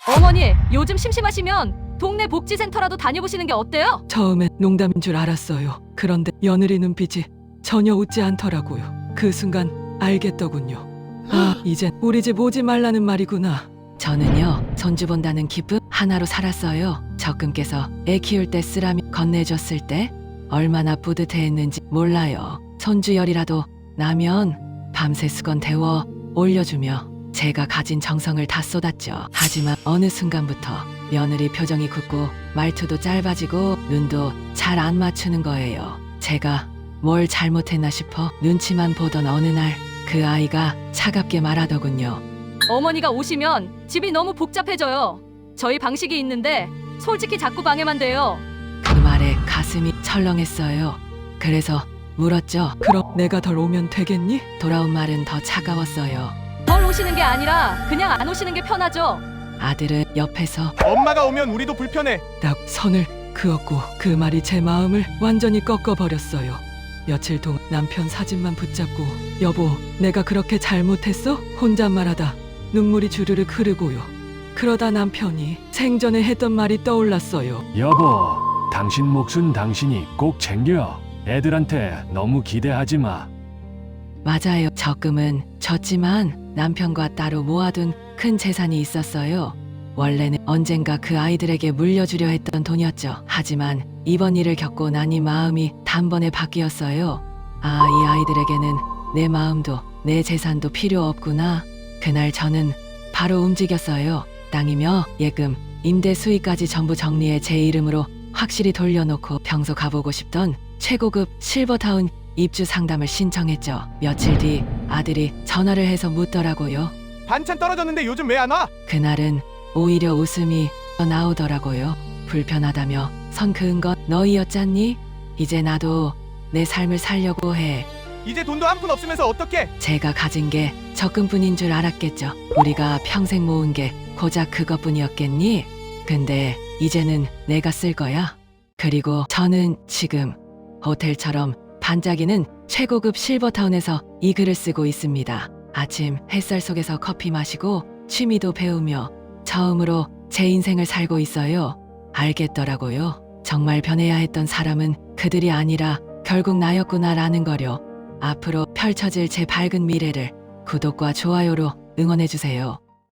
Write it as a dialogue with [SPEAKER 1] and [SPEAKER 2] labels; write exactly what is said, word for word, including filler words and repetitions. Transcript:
[SPEAKER 1] 어머니, 요즘 심심하시면 동네 복지센터라도 다녀보시는 게 어때요?
[SPEAKER 2] 처음엔 농담인 줄 알았어요. 그런데 며느리 눈빛이 전혀 웃지 않더라고요. 그 순간 알겠더군요. 아, 이젠 우리 집 오지 말라는 말이구나. 저는요, 손주 본다는 기쁨 하나로 살았어요. 적금께서 애 키울 때 쓰라미 건네줬을 때 얼마나 뿌듯해했는지 몰라요. 손주 열이라도 나면 밤새 수건 데워 올려주며 제가 가진 정성을 다 쏟았죠. 하지만 어느 순간부터 며느리 표정이 굳고 말투도 짧아지고 눈도 잘 안 맞추는 거예요. 제가 뭘 잘못했나 싶어 눈치만 보던 어느 날 그 아이가 차갑게 말하더군요.
[SPEAKER 1] 어머니가 오시면 집이 너무 복잡해져요. 저희 방식이 있는데 솔직히 자꾸 방해만 돼요.
[SPEAKER 2] 그 말에 가슴이 철렁했어요. 그래서 물었죠. 그럼 내가 덜 오면 되겠니? 돌아온 말은 더 차가웠어요.
[SPEAKER 1] 덜 오시는 게 아니라 그냥 안 오시는 게 편하죠.
[SPEAKER 2] 아들은 옆에서
[SPEAKER 3] 엄마가 오면 우리도 불편해.
[SPEAKER 2] 딱 선을 그었고 그 말이 제 마음을 완전히 꺾어버렸어요. 며칠 동안 남편 사진만 붙잡고 여보, 내가 그렇게 잘못했어? 혼잣말하다 눈물이 주르륵 흐르고요. 그러다 남편이 생전에 했던 말이 떠올랐어요.
[SPEAKER 4] 여보, 당신 몫은 당신이 꼭 챙겨. 애들한테 너무 기대하지 마.
[SPEAKER 2] 맞아요. 적금은 졌지만 남편과 따로 모아둔 큰 재산이 있었어요. 원래는 언젠가 그 아이들에게 물려주려 했던 돈이었죠. 하지만 이번 일을 겪고 나니 마음이 단번에 바뀌었어요. 아, 이 아이들에게는 내 마음도 내 재산도 필요 없구나. 그날 저는 바로 움직였어요. 땅이며 예금, 임대 수익까지 전부 정리해 제 이름으로 확실히 돌려놓고 평소 가보고 싶던 최고급 실버타운 입주 상담을 신청했죠. 며칠 뒤 아들이 전화를 해서 묻더라고요.
[SPEAKER 3] 반찬 떨어졌는데 요즘 왜 안 와?
[SPEAKER 2] 그날은 오히려 웃음이 나오더라고요. 불편하다며 선 그은 건 너희였잖니? 이제 나도 내 삶을 살려고 해.
[SPEAKER 3] 이제 돈도 한 푼 없으면서 어떡해?
[SPEAKER 2] 제가 가진 게 적금뿐인 줄 알았겠죠. 우리가 평생 모은 게 고작 그것뿐이었겠니? 근데 이제는 내가 쓸 거야. 그리고 저는 지금 호텔처럼 반짝이는 최고급 실버타운에서 이 글을 쓰고 있습니다. 아침 햇살 속에서 커피 마시고 취미도 배우며 처음으로 제 인생을 살고 있어요. 알겠더라고요. 정말 변해야 했던 사람은 그들이 아니라 결국 나였구나라는 거요. 앞으로 펼쳐질 제 밝은 미래를 구독과 좋아요로 응원해주세요.